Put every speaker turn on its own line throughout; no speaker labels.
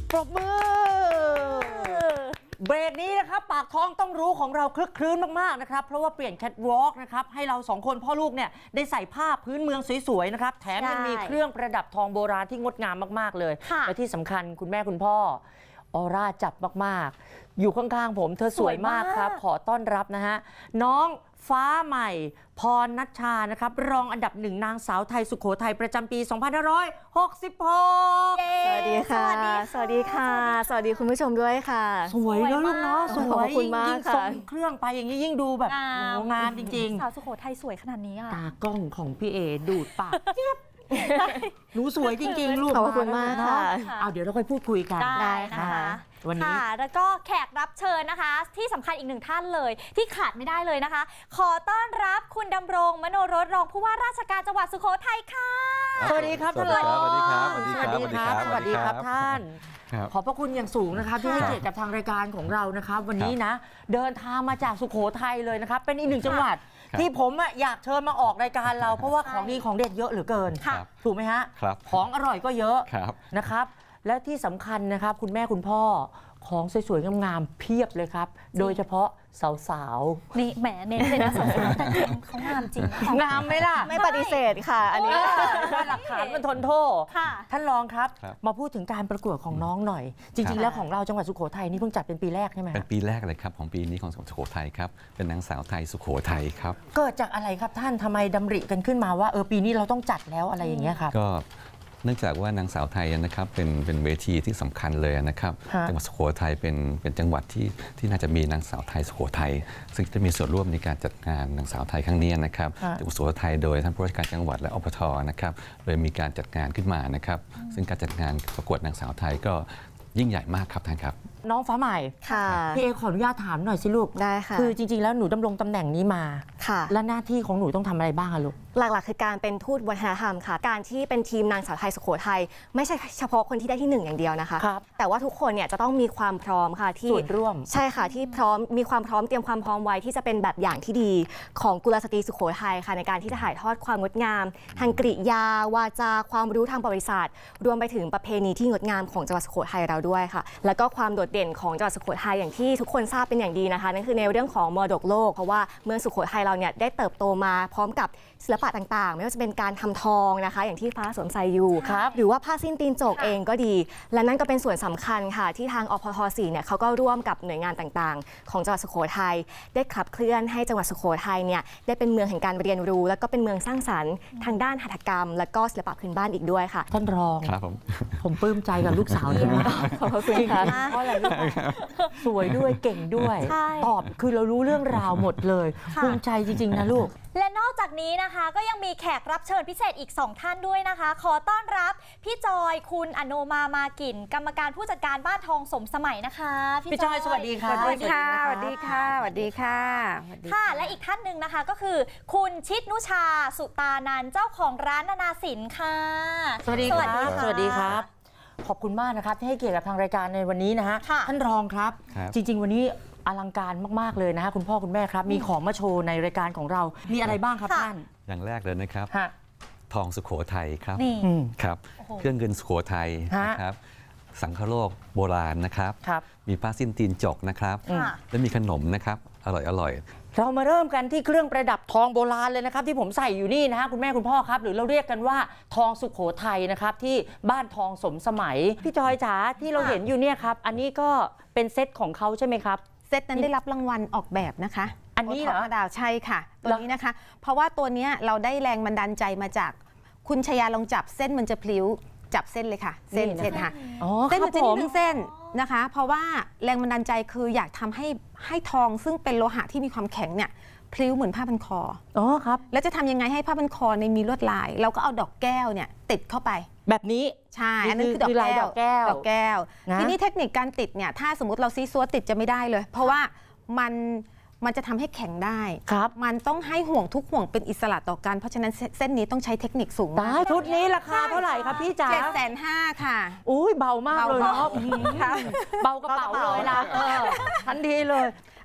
ปรบมือเบรกนี้นะครับปากท้องต้องรู้ของเราคลึกคลื้นมากๆนะครับเพราะว่าเปลี่ยนแคทวอล์กนะครับให้เราสองคนพ่อลูกเนี่ยได้ใส่ผ้าพื้นเมืองสวยๆนะครับแถมยังมีเครื่องประดับทองโบราณที่งดงามมากๆเลยและที่สำคัญคุณแม่คุณพ่อออร่าจับมากๆอยู่ข้างๆผมเธอสวยมากครับขอต้อนรับนะฮะน้องฟ้าใหม่พรณัชชานะครับรองอันดับหนึ่งนางสาวไทยสุโขทัยประจำปี 2566
สวัสดีค่ะ สวัสดีค่ะ สวัสดีคุณผู้ชมด้วยค่ะ
สวยนะลูกเนาะสวย
ขอบคุณมาก
ยิ่ง
ค่ะ
ส่งเครื่องไปอย่างนี้ยิ่งดูแบบงามจริง
สาวสุโขทัยสวยขนาดนี้อ่ะ
ๆตากล้องของพี่เอดูดปากหนูสวยจริงๆลูก
ขอบคุณมากค่ะ
เอาเดี๋ยวเราค่อยพูดคุยกัน
ได้นะคะ
วันนี้
ค่ะแล้วก็แขกรับเชิญนะคะ ที่สำคัญอีกหนึ่งท่านเลยที่ขาดไม่ได้เลยนะคะ ขอต้อนรับคุณดำรงมโนรสรองผู้ว่าราชการจังหวัดสุโขทัยค่ะ
สวัสดีครับท่านรอง
สวัสดีครับ
สวัสดีครับสวัสดีครับท่าน
ครับ
ขอบพระคุณอย่างสูงนะครับที่ให้เกียรติกับทางรายการของเรานะครับวันนี้นะเดินทางมาจากสุโขทัยเลยนะครับเป็นอีกหนึ่งจังหวัดที่ผมอยากเชิญมาออกรายการเราเพราะว่าของดีของเด็ดเยอะเหลือเกิน
ครับ
ถูกไหมฮะ
ครับ
ของอร่อยก็เยอะ
ครับ
นะครับและที่สำคัญนะครับคุณแม่คุณพ่อของสวยๆงามๆเพียบเลยครับ โดยเฉพาะสาว
นี่แหมเน้นเลยนะสาวๆแต่จริงเขางามจริงนะคะ
ๆงามไหมล่ะ
ไม่ปฏิเสธค่ะ อันนี้
ว่าหลักฐานมันทนโทษ
ค่ะ
ท่านรองครับ
ครับ
มาพูดถึงการประกวดของน้องหน่อย จริงๆแล้วของเราจังหวัดสุโขทัยนี่เพิ่งจัดเป็นปีแรกใช่ไหม
เป็นปีแรกเลยครับของปีนี้ของสุโขทัยครับเป็นนางสาวไทยสุโขทัยครับ
เกิดจากอะไรครับท่านทำไมดำริกันขึ้นมาว่าปีนี้เราต้องจัดแล้วอะไรอย่างเงี้ยครับ
ก็เนื่องจากว่านางสาวไทยนะครับเป็นเวทีที่สำคัญเลยนะครับ
ฮะ
จังหวัดสุโขทัยเป็นจังหวัดที่น่าจะมีนางสาวไทยสุโขทัยซึ่งจะมีส่วนร่วมในการจัดงานนางสาวไทยครั้งนี้นะครับจังหวัดสุโขทัยโดยท่านผู้ว่าราชการจังหวัดและอปทนะครับเลยมีการจัดงานขึ้นมานะครับซึ่งการจัดงานประกวดนางสาวไทยก็ยิ่งใหญ่มากครับท่านครับ
น้องฟ้าใหม่
ค่ะ
พี่เอขออนุญาตถามหน่อยสิลูก
ได้ค่ะ
คือจริงๆแล้วหนูดำรงตำแหน่งนี้มา
ค่ะ
และหน้าที่ของหนูต้องทำอะไรบ้างอะลูก
หลักๆคือการเป็นทูตวัฒนธรรมค่ะ การที่เป็นทีมนางสาวไทยสุโขทัยไม่ใช่เฉพาะคนที่ได้ที่1อย่างเดียวนะคะ
ครับ
แต่ว่าทุกคนเนี่ยจะต้องมีความพร้อมค่ะที่
ส่วนร่วม
ใช่ค่ะที่พร้อมมีความพร้อมเตรียมความพร้อมไว้ที่จะเป็นแบบอย่างที่ดีของกุลสตรีสุโขทัยค่ะในการที่จะถ่ายทอดความงดงามทางกริยาวาจาความรู้ทางประวัติศาสตร์ รวมไปถึงประเพณีที่งดงามของจังหวัดสุโขทัยเราด้วยค่ะ แล้วก็ความโดดเด่นของจังหวัดสุโขทัยอย่างที่ทุกคนทราบเป็นอย่างดีนะคะนั่นคือในเรื่องของมรดกโลกเพราะว่าเมืองสุโขทัยเราเนี่ยได้เติบโตมาพร้อมกับศิลปะต่างๆ ไม่ว่าจะเป็นการทำทองนะคะอย่างที่ฟ้าสวมใส่อยู่
ครับ
หรือว่าผ้าสิ้นตีนโจกเองก็ดี และนั่นก็เป็นส่วนสำคัญค่ะที่ทางอพท4เนี่ยเขาก็ร่วมกับหน่วยงานต่างๆ ของจังหวัดสุโขทัยได้ขับเคลื่อนให้จังหวัดสุโขทัยเนี่ยได้เป็นเมืองแห่งการเรียนรู้ แล้วก็เป็นเมืองสร้างสรรค์ทางด้านหัตถกรรม และก็ศิลปะพื้นบ้านอีกด้วยค่ะ
ท่านรอง
ครับผม
ผมปลื้มใจกับลูกสาวเลยนะ
ขอบคุณค่ะ
เพราะอะไรลูกสวยด้วยเก่งด้วย
ใช่
ตอบคือเรารู้เรื่องราวหมดเลย
ค่ะ
ภูมิใจจริง ๆ นะลูก
และนอกจากนี้นะคะก็ยังมีแขกรับเชิญพิเศษอีก 2 ท่านด้วยนะคะ ขอต้อนรับพี่จอยคุณอโนมามากิ่น กรรมการผู้จัดการบ้านทองสมสมัยนะคะ
พี่จอยสวัสดีค่ะ
สวัสดีค่ะ สวัสดีค่ะ สวัสดีค่ะ
ค่ะและอีกท่านหนึ่งนะคะก็คือ คุณชิดนุชาสุตานันท์เจ้าของร้านนานาสินค่ะ
สวัสดีครับ
ะ
สวัสดีครับ ขอบคุณมากนะครับที่ให้เกียรติกับทางรายการในวันนี้นะฮะ
ค่ะ
ท่านรองครับ
ครับ
จริง ๆ วันนี้อลังการมากๆเลยนะฮะคุณพ่อคุณแม่ครับ มีของมาโชว์ในรายการของเรา มีอะไรบ้างครับท่าน
อย่างแรกเลยนะครับ
ฮะ
ทองสุโขทัยครับ
นี่
อืม
ครับ
โอ้โห
เครื่องเงินสุโขทัย
ฮะ
นะครับสังคโลกโบราณนะครับ
ครับ
มีผ้าสิ้นตีนจกนะครับ
ค่ะ
และมีขนมนะครับอร่อย
เรามาเริ่มกันที่เครื่องประดับทองโบราณเลยนะครับที่ผมใส่อยู่นี่นะฮะคุณแม่คุณพ่อครับ หรือเราเรียกกันว่าทองสุโขทัยนะครับที่บ้านทองสมสมัยพี่จอยจ๋าที่เราเห็นอยู่เนี่ยครับอันนี้ก็เป็นเซตของเขาใช่ไหมครับ
เซตนั้นได้รับรางวัลออกแบบนะคะ
อันนี้เหรอ
โทดาวใช่ค่ะ ตัวนี้นะคะ เพราะว่าตัวเนี้ยเราได้แรงบันดาลใจมาจากคุณชยาลองจับเส้นมันจะพลิ้วจับเส้นเลยค่ะ เส้น
นี่นะคะ
เส้นค่ะ
อ๋อ
เส้นมันจะ
ผ
นิดนึงเส้นนะคะ เพราะว่าแรงบันดาลใจคืออยากทำให้ทองซึ่งเป็นโลหะที่มีความแข็งเนี่ยพลิ้วเหมือนผ้าพันคอ
อ๋อครับ
แล้วจะทำยังไงให้ผ้าพันคอในยมีลวดลาย เราก็เอาดอกแก้วเนี่ยติดเข้าไป
แบบนี้
ใช่
นี่
อันนั้นคือดอก
คือลาย
แก้
ด
ว
อกแก้ว
ดอกแก้ว
นะ
ทีนี้เทคนิคการติดเนี่ย ถ้าสมมติเราซีซัวติดจะไม่ได้เลย เพราะว่ามันจะทำให้แข็งได้
ครับ
มันต้องให้ห่วงทุกห่วงเป็นอิสระต่อกัน เพราะฉะนั้นเส้นนี้ต้องใช้เทคนิคสูง
ตายชุดนี้ราคาเท่าไหร่ครับพี่จ๋า
750,000ค่ะ
อุ้ยเบามากเลยเนาะ
เบา
อื้อหือเบากระเป๋าเลยล่ะทันทีเลย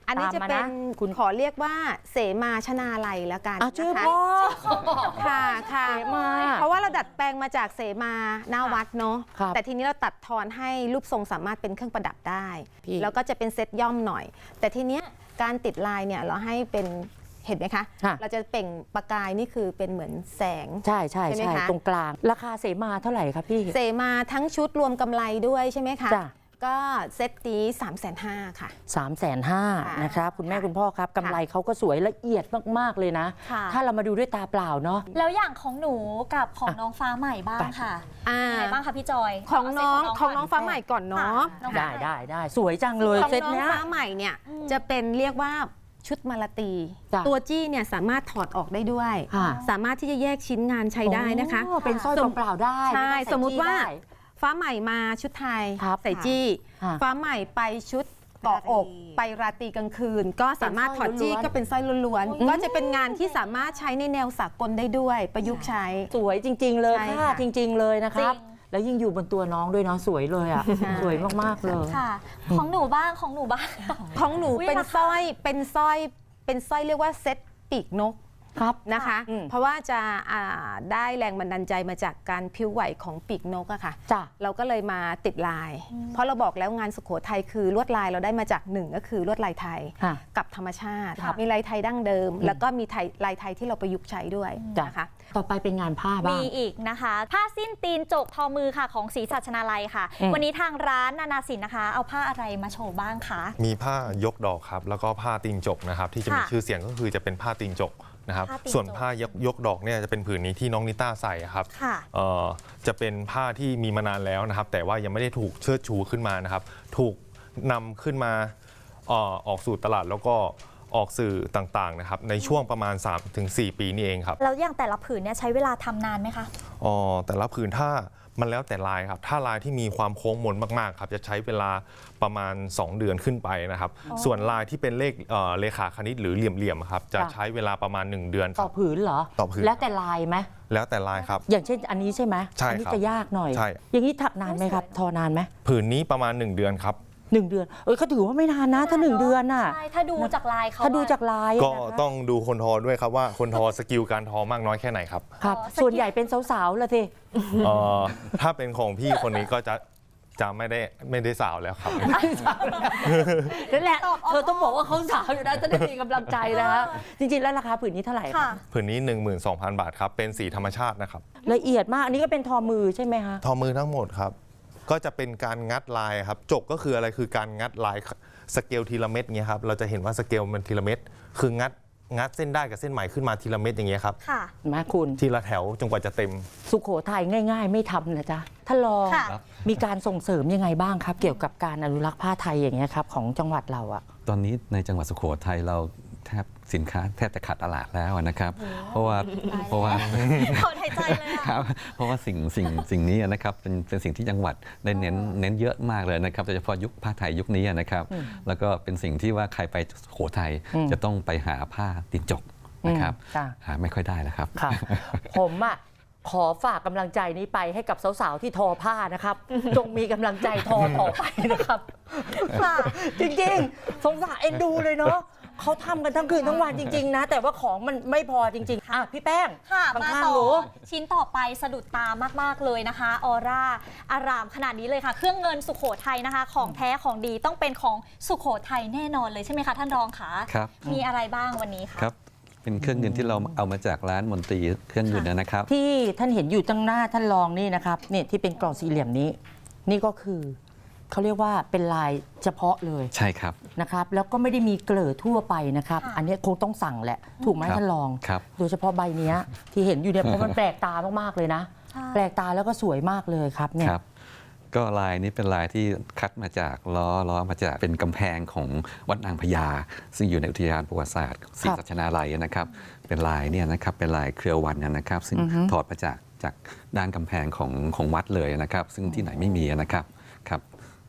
อันนี้จะเป็น
ตามมานะคุณ
ขอเรียกว่าเสมาชนาลัยแล้วกัน
ชื่อ
นะคะ
พ่อ
ค่ะค่ะ
เสมา
เพราะว่าเราดัดแปลงมาจากเสมาหน้าวัดเนาะ
ครับ
แต่ทีนี้เราตัดทอนให้รูปทรงสามารถเป็นเครื่องประดับได้
พี่
แล้วก็จะเป็นเซตย่อมหน่อย แต่ทีเนี้ยการติดลายเนี่ยเราให้เป็นเห็นไหมคะ
ค่ะ
เราจะเปล่งประกายนี่คือเป็นเหมือนแสง
ใช่
ใช่ไหมคะ
ตรงกลาง ราคาเสมาเท่าไหร่ครับพี่
เสมาทั้งชุดรวมกำไรด้วยใช่ไหมคะ
จ้ะ
ก็เซตนี้350,000ค่ะ
350,000นะครับคุณแม่คุณพ่อครับกำไรเขาก็สวยละเอียดมากๆเลยนะ
ค่ะ
ถ้าเรามาดูด้วยตาเปล่าเนาะ
แล้วอย่างของหนูกับของน้องฟ้าใหม่บ้างค่ะ
อ่า
ยังไงบ้างคะพี่จอย
ของน้อง
เาเซ็ต
ของน้องฟ้าใหม่ก่อนเนาะ
ค่ะน้อง
ได้
ฟ้า
ได้สวยจังเลย
ของ
เซต
น้อง
เนี้ย
ฟ้าใหม่เนี่ยจะเป็นเรียกว่าชุดมาลาตี
จ้ะ
ตัวจี้เนี่ยสามารถถอดออกได้ด้วย
ค่ะ
สามารถที่จะแยกชิ้นงานใช้ได้นะคะ
โอ้เป็นสร้อยเปล่าๆได้
ใช่
ไต้องใ
สมมุติว่า
จี้ได้
ฟ้าใหม่มาชุดไทย
ครับ
ใส่จี้
ค่ะ
ฟ้าใหม่ไปชุดเกาะอกไปราตรีกลางคืน ก็สามารถถอดจี้
เป็นสร้อยล้วนๆ
ก็เป็นสร้อยล้วนๆก็จะเป็นงานที่สามารถใช้ในแนวสากลได้ด้วย ประยุกต์ใช้
สวยจริง ๆ เลย
ใช่
ค่ะ
ค่ะ
จริง ๆ เลยนะครับ
จริง
แล้วยิ่งอยู่บนตัวน้องด้วยเนาะสวยเลยอ่ะ
ใช่
สวยมากๆเลย
ค่ะ ของหนูบ้างของหนูบ้าง
ของหนู
อุ๊ย
เป็น
ราคา
สร้อยเรียกว่าเซ็ตปีกนก
ครับ
นะคะ
อืม
เพราะว่าจะได้แรงบันดาลใจมาจากการพิ้วไหวของปีกนกอะค่ะ
จ้ะ
เราก็เลยมาติดลาย เพราะเราบอกแล้วงานสุโขทัยคือลวดลายเราได้มาจากหนึ่งก็คือลวดลายไทย
ค่ะ
กับธรรมชาติ
ค่ะ
มีลายไทยดั้งเดิม แล้วก็มีลายไทยที่เราประยุกต์ใช้ด้วย
จ้ะ
นะคะ
ต่อไปเป็นงานผ้าบ้าง
มีอีกนะคะ ผ้าสิ้นตีนจกทอมือค่ะของศรีสัชนาลัยค่ะ
อืม
วันนี้ทางร้านนานาสินนะคะ เอาผ้าอะไรมาโชว์บ้างคะ
มีผ้ายกดอกครับแล้วก็ผ้าตีนจกนะครับที่จะมี
ค่ะ
ชื่อเสียงก็คือจะเป็นผ้าตีนจกนะครับ
ผ้าตีนจก
ส่วนผ้ายกดอกเนี่ยจะเป็นผืนนี้ที่น้องนิต้าใส่ครับ
ค่ะ
จะเป็นผ้าที่มีมานานแล้วนะครับ แต่ว่ายังไม่ได้ถูกเชิดชูขึ้นมานะครับ ถูกนำขึ้นมาออกสู่ตลาดแล้วก็ออกสื่อต่างๆนะครับในช่วงประมาณ 3-4 ปีนี่เองครับ
แล้วอย่างแต่ละผืนเนี่ยใช้เวลาทำนานไหมคะ
แต่ละผืนถ้ามันแล้วแต่ลายครับ ถ้าลายที่มีความโค้งมนมากๆครับจะใช้เวลาประมาณ 2 เดือนขึ้นไปนะครับ ส่วนลายที่เป็นเลขาคณิตหรือเหลี่ยมๆครับจะ
ค่ะ
ใช้เวลาประมาณ 1 เดือนค
ต่
รั
อบ ผืนเหรอ
ต่อผืน
แล้วแต่ลายไหม
แล้วแต่ลายครับ
อย่างเช่นอันนี้ใช่ไหม
ใช่
อันี้
ครับ
จะยากหน่อย
ใช่
อย่างนี้ถักนานไหมครับ ทอนานไหม
ผืนนี้ประมาณ 1 เดือนครับ
1 เดือนเขาถือว่าไม่นานนะถ้า 1 เดือนน่ะ
ใช่ ถ้าดูจากลายเขา
ถ้าดูจาก
อะ
ลาย
ก็
นะคะ
ต้องดูคนทอด้วยครับว่าคนทอสกิลการทอมากน้อยแค่ไหนครับ
ครับ
สกิล
ส่วนใหญ่เป็นสาวๆละสิ
ถ้าเป็นของพี่คนนี้ก็จะไม่ได้สาวแล้วครับ
นั่นแหละเธอต้องบอกว่าเขาสาวอยู่นะจะได้มีกำลังใจนะฮะจริงๆแล้วราคาผืนนี้เท่าไหร่ค
ค่ะ
รับ
ผืนนี้ 12,000 บาทครับเป็นสีธรรมชาตินะครับ
ละเอียดมากอันนี้ก็เป็นทอมือใช่ไหมคะ
ทอมือทั้งหมดครับ ก็จะเป็นการงัดลายครับ จกก็คืออะไรคือการงัดลายสเกลทีละเม็ดเงี้ยครับ เราจะเห็นว่าสเกลมันทีละเม็ดคืองัดเส้นได้กับเส้นใหม่ขึ้นมาทีละเม็ดอย่างเงี้ยครับ
ค่ะ
มาคุณ
ทีละแถวจนกว่าจะเต็ม
สุโขทัยง่ายๆ ไม่ทำนะจ๊ะท่านรอง
ค่ะ
มีการส่งเสริมยังไงบ้างครับ เกี่ยวกับการอนุรักษ์ผ้าไทยอย่างเงี้ยครับของจังหวัดเราอะ
ตอนนี้ในจังหวัดสุโขทัยเราแทบสินค้าแทบจะขาดตลาดแล้วนะครับ เพราะว่า
ถอนหายใจเลยอะ
ครับเพราะว่าสิ่งนี้นะครับเป็นสิ่งที่จังหวัดได้เน้นเยอะมากเลยนะครับโดยเฉพาะยุคผ้าไทยยุคนี้นะครับ แล้วก็เป็นสิ่งที่ว่าใครไปสุโขทัยจะต้องไปหาผ้าตีนจกนะครับ
จ้ะ
หาไม่ค่อยได้แล้วครับ
ค่ะ ผมอะขอฝากกำลังใจนี้ไปให้กับสาวๆที่ทอผ้านะครับ จงมีกำลังใจทอต่อไปนะครับ
ค่ะ
จริงๆ สงสารเอ็นดูเลยเนาะเขาทำกันทั้งคืนทั้งวันจริงๆนะ แต่ว่าของมันไม่พอจริงๆอ่ะพี่แป้ง
ค่ะ
ข้
มา
าง
ต่
ๆ
อ
หนู
ชิ้นต่อไปสะดุดตามากๆเลยนะคะ ออร่าอารามขนาดนี้เลยค่ะ เครื่องเงินสุโขทัยนะคะ ของแท้ของดีต้องเป็นของสุโขทัยแน่นอนเลยใช่ไหมคะท่านรองคะ
ครับ
มีอะไรบ้างวันนี้คะ
ครับ เป็นเครื่องเงินที่เราเอามาจากร้านมนตรีเครื่องเงินนะครับ
ที่ท่านเห็นอยู่ตั้งหน้าท่านรองนี่นะครับเนี่ยที่เป็นกล่องสี่เหลี่ยมนี้ นี่ก็คือเขาเรียกว่าเป็นลายเฉพาะเลย
ใช่ครับ
นะครับแล้วก็ไม่ได้มีเกลือทั่วไปนะครับ
ค่ะ
อันนี้คงต้องสั่งแหละ ถูกไหม
ครับ
ท่านรอง
ครับ
โดยเฉพาะใบเนี้ยที่เห็นอยู่เนี่ยเพราะมันแปลกตามากๆเลยนะ
ใช่
แปลกตาแล้วก็สวยมากเลยครับเนี่ย
ครับ ก็ลายนี้เป็นลายที่คัดมาจากล้อมาจากเป็นกำแพงของวัดนางพญาซึ่งอยู่ในอุทยานประวัติศาสตร์ศรีสัชนาลัยนะครับ เป็นลายเนี่ยนะครับเป็นลายเครือวันนะครับ ซึ่งถอดมาจากด้านกำแพงของวัดเลยนะครับ ซึ่งที่ไหนไม่มีนะครับครับ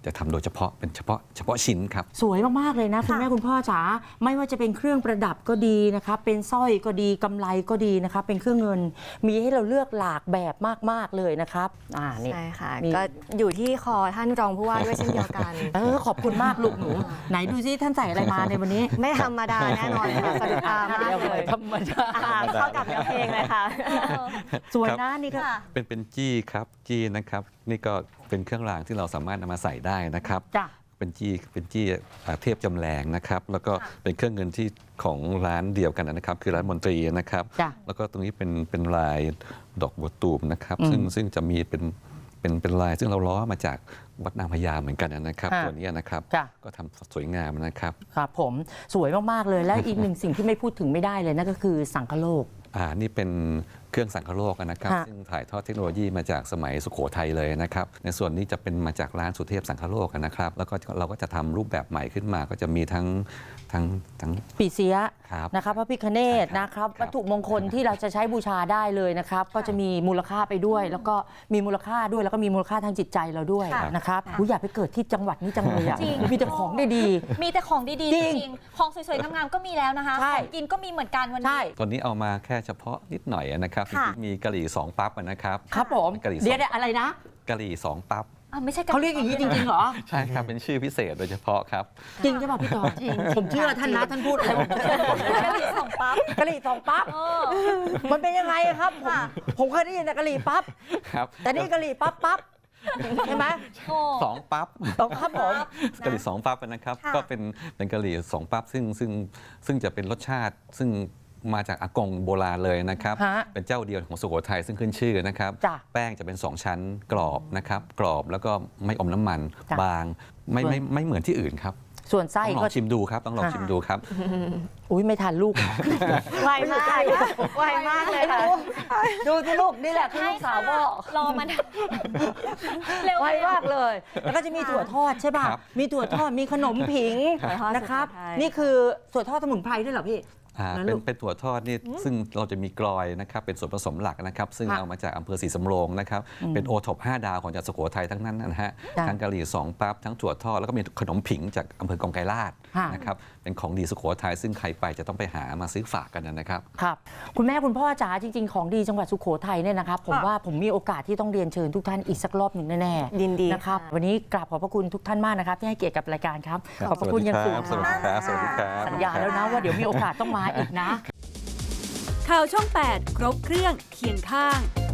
จะทำโดยเฉพาะเป็นเฉพาะชิ้นครับ
สวยมากๆเลยนะคุณแม่คุณพ่อจ๋าไม่ว่าจะเป็นเครื่องประดับก็ดีนะครับเป็นสร้อยก็ดีกำไรก็ดีนะครับเป็นเครื่องเงินมีให้เราเลือกหลากแบบมากๆเลยนะครับนี่
ใช่ค่ะ
นี่
ก็อยู่ที่คอท่านรองผู้ว่าด้วยเช่นเดียวกัน
ขอบคุณมากลูกหนู ไหนดูซิท่านใส่อะไรมาในวันนี้
ไม่ธรรมดาแน่นอนค่ะสะดุดตามากเลย
ธรรมดา
เข้ากับเนื้อเพลงเลยค่ะ
สวยนะนี่ก็
ค่ะ
เป็นจี้ครับจี้นะครับนี่ก็เป็นเครื่องรางที่เราสามารถนำมาใส่ได้นะครับ
จ้ะ
เป็นจี้เทพจำแรงนะครับแล้วก็เป็นเครื่องเงินที่ของร้านเดียวกันนะครับคือร้านมนตรีนะครับ
จ้ะ
แล้วก็ตรงนี้เป็นลายดอกบัวตูมนะครับ
อืม
ซึ่งจะมีเป็นลายซึ่งเราล้อมาจากวัดนางพญาเหมือนกันนะครับ
ค่ะ
ตัวนี้นะครับ
จ้ะ
ก็ทำสวยงามนะครับ
ครับผมสวยมากๆเลยและอีกหนึ่งสิ่งที่ไม่พูดถึงไม่ได้เลยนั่นก็คือสังคโลก
นี่เป็นเครื่องสังคโลกนะครับ
ค่ะ
ซึ่งถ่ายทอดเทคโนโลยีมาจากสมัยสุโขทัยเลยนะครับในส่วนนี้จะเป็นมาจากร้านสุเทพสังคโลกนะครับแล้วก็เราก็จะทำรูปแบบใหม่ขึ้นมาก็จะมีทั้ง
ปีเสีย
ครับ
นะครับพระพิฆเนศนะครับ
ครับ
วัตถุมงคลที่เราจะใช้บูชาได้เลยนะครับ ก็จะมีมูลค่าไปด้วย แล้วก็มีมูลค่าด้วยแล้วก็มีมูลค่าทางจิตใจเราด้วย
ค่ะ
นะครับอยากไปเกิดที่จังหวัดนี้จังเลยอ่ะ
จริง
มีแต่ของดี
มีแต่ของดีๆ
จ
จ
ริง
ริงๆของสวยๆงามๆก็มีแล้วนะคะ
ใช่
ของกินก็มีเหมือนกันวัน
ๆ
นี้
ใช่
ตอนนี้เอามาแค่เฉพาะนิดหน่อยนะครับ
ค่ะ
มีกะหรี่สองปั๊บนะครับ
ครับผม
กะหรี่สอง
เดี๋ยวอะไรนะ
กะหรี่สองปั๊บ
ไม่ใช่
เขาเรียกอย่างนี้จริงๆเหรอ
ใช่ครับเป็นชื่อพิเศษโดยเฉพาะครับ
จริงใช่ป่ะพี่ต่อจริงผมเชื่อท่านนะท่านพูดอะไรผมเชื่อ
กะหรี่สองปั๊บ
กะหรี่สองปั๊บ
เออ
มันเป็นยังไงครับผมเคยได้ยินแต่กะหรี่ปั๊บ
ครับ
แต่นี่กะหรี่ปั๊บปั๊บใช่ไหม
โอ้
สองปั๊บ
ต้องครับผม
กะหรี่สองปั๊บนะครับ
ค่ะ
ก็เป็นกะหรี่สองปั๊บซึ่งจะเป็นรสชาติซึ่งมาจากอากงโบราณเลยนะครับ
ฮะ
เป็นเจ้าเดียวของสุโขทัยซึ่งขึ้นชื่อนะครับ
จ้ะ
แป้งจะเป็น 2 ชั้นกรอบนะครับกรอบแล้วก็ไม่อมน้ำมัน
จ้ะ
บางไม่เหมือนที่อื่นครับ
ส่วนไส้
ต้องล
ก็
องชิมดูครับต้องลองชิมดูครับ
อุ้ยไม่ทันลูก
ไวมากไวมากเลยค่ะ
ดูที่ลูกนี่แหละที่ลูกสาวพ่อ
รอมันเร็ว
ไวมากเลย แล้วก็จะมีถั่วทอดใช่ป่ะ
ครับ
มีถั่วทอดมีขนมผิง
ถั่วทอด
นะครับ
สุโขทัย
นี่คือถั่วทอดสมุนไพรด้วยเหรอพี่ นะลูก
เป็นถั่วทอดนี่ซึ่งเราจะมีกลอยนะครับเป็นส่วนผสมหลักนะครับ ซึ่ง
ค่ะ
เอามาจากอำเภอศรีสำโรงนะครับเป็นโอท็อป5 ดาวของจังหวัดสุโขทัยทั้งนั้นนะฮะ
จ้ะ
ทั้งกะหรี่สองปั๊บทั้งถั่วทอดแล้วก็มีขนมผิงจากอำเภอกองไกรลาด
ค่ะ
นะครับเป็นของดีสุโขทัยซึ่งใครไปจะต้องไปหามาซื้อฝากกันนะครับ
ครับคุณแม่คุณพ่อจ๋าจริง ๆ ของดีจังหวัดสุโขทัยเนี่ยนะครับผม
ค่ะ
ว่าผมมีโอกาสที่ต้องเรียนเชิญทุกท่านอีกสักรอบหนึ่งแน่ๆ
ยินดี
นะครับ
ค่ะ
วันนี้กราบขอบพระคุณทุกท่านมากนะครับที่ให้เกียรติกับรายการครับขอบพระคุณอย่างสูง
สวัสดีครับสวัสดีครับ
สัญญาแล้วนะว่าเดี๋ยวมีโอกาสต้องมาอีกนะ
ข่าวช่อง 8 ครบเครื่องเคียงข้าง